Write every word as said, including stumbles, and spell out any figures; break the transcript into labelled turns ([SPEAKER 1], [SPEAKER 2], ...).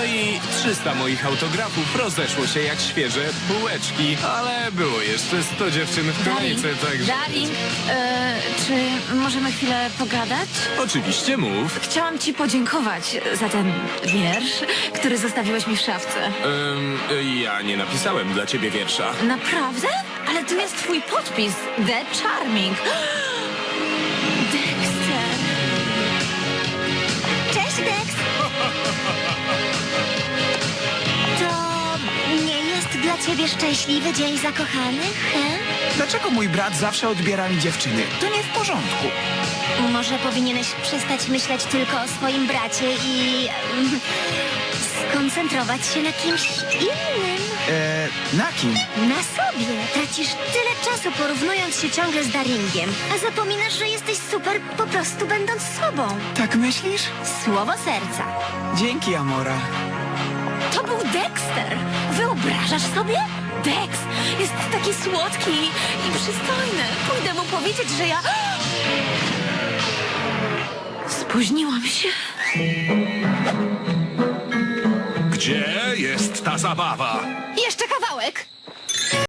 [SPEAKER 1] No i trzysta moich autografów rozeszło się jak świeże bułeczki, ale było jeszcze sto dziewczyn w
[SPEAKER 2] Darling,
[SPEAKER 1] kolejce, także...
[SPEAKER 2] Darling, e, czy możemy chwilę pogadać?
[SPEAKER 1] Oczywiście mów.
[SPEAKER 2] Chciałam ci podziękować za ten wiersz, który zostawiłeś mi w szafce.
[SPEAKER 1] Ym, ja nie napisałem dla ciebie wiersza.
[SPEAKER 2] Naprawdę? Ale tu jest twój podpis. The Charming. Dexter.
[SPEAKER 3] Cześć, Dex! To nie jest dla ciebie szczęśliwy dzień zakochanych, he?
[SPEAKER 4] Dlaczego mój brat zawsze odbiera mi dziewczyny? To nie w porządku.
[SPEAKER 3] Może powinieneś przestać myśleć tylko o swoim bracie i mm, skoncentrować się na kimś innym.
[SPEAKER 4] E, na kim?
[SPEAKER 3] Na sobie. Tracisz tyle czasu porównując się ciągle z Daringiem, a zapominasz, że jesteś super po prostu będąc sobą.
[SPEAKER 4] Tak myślisz?
[SPEAKER 3] Słowo serca.
[SPEAKER 4] Dzięki, Amora.
[SPEAKER 2] To był Dexter. Wyobrażasz sobie? Dex jest taki słodki i przystojny. Pójdę mu powiedzieć, że ja... Spóźniłam się.
[SPEAKER 5] Gdzie jest ta zabawa?
[SPEAKER 2] Jeszcze kawałek.